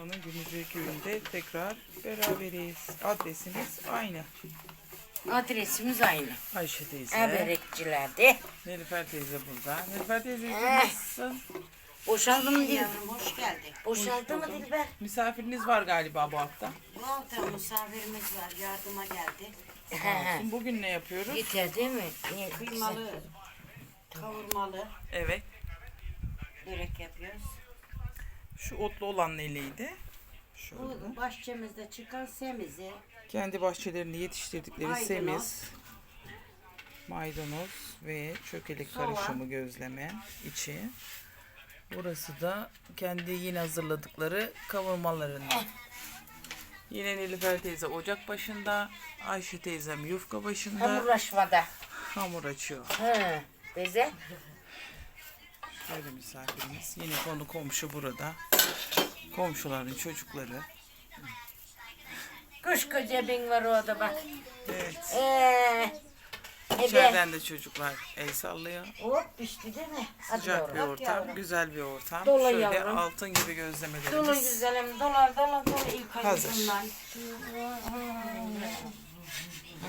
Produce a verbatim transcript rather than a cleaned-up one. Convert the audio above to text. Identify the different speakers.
Speaker 1: Muğla'nın Gümüşlü Köyü'nde tekrar beraberiz. Adresimiz aynı.
Speaker 2: Adresimiz aynı.
Speaker 1: Ayşe teyze.
Speaker 2: Eberekçilerde.
Speaker 1: Nilüfer teyze burada. Nilüfer teyze
Speaker 2: Eh.
Speaker 1: nasılsın?
Speaker 2: Boşaldı mı Dilber?
Speaker 3: Yavrum hoş geldin.
Speaker 2: Boşaldı mı Dilber?
Speaker 1: Misafiriniz var galiba bu hafta.
Speaker 3: Bu hafta misafirimiz var, yardıma geldi.
Speaker 2: He.
Speaker 1: Bugün ne yapıyoruz?
Speaker 2: Yeter değil mi? Niye?
Speaker 3: Kıymalı, kavurmalı
Speaker 1: Evet.
Speaker 3: börek yapıyoruz.
Speaker 1: Şu otlu olan neliydi? Şöyle.
Speaker 3: Bu bahçemizde çıkan semizi,
Speaker 1: Kendi bahçelerinde yetiştirdikleri
Speaker 3: Maydanoz.
Speaker 1: semiz, maydanoz ve çökelek
Speaker 3: Soğan.
Speaker 1: karışımı gözleme içi. Burası da kendi yine hazırladıkları kavurmalarından. Yine Nilüfer teyze ocak başında, Ayşe teyzem yufka başında
Speaker 2: Hamurlaşmada.
Speaker 1: hamur açıyor.
Speaker 2: He. Beze.
Speaker 1: Böyle misafirimiz. Yine konu komşu burada. Komşuların çocukları.
Speaker 2: Koskoca bin var orada bak.
Speaker 1: Evet.
Speaker 2: Eee. Ebe.
Speaker 1: İçeriden de çocuklar el sallıyor.
Speaker 2: Hop pişti değil mi? Hadi
Speaker 1: Sıcak bir
Speaker 2: yavrum.
Speaker 1: ortam, güzel bir ortam.
Speaker 2: Dolu
Speaker 1: Şöyle
Speaker 2: yavrum.
Speaker 1: altın gibi gözlemelerimiz.
Speaker 2: Dolu güzelim. Dolar dolar dolar ilk
Speaker 1: Hazır.
Speaker 2: ayımdan.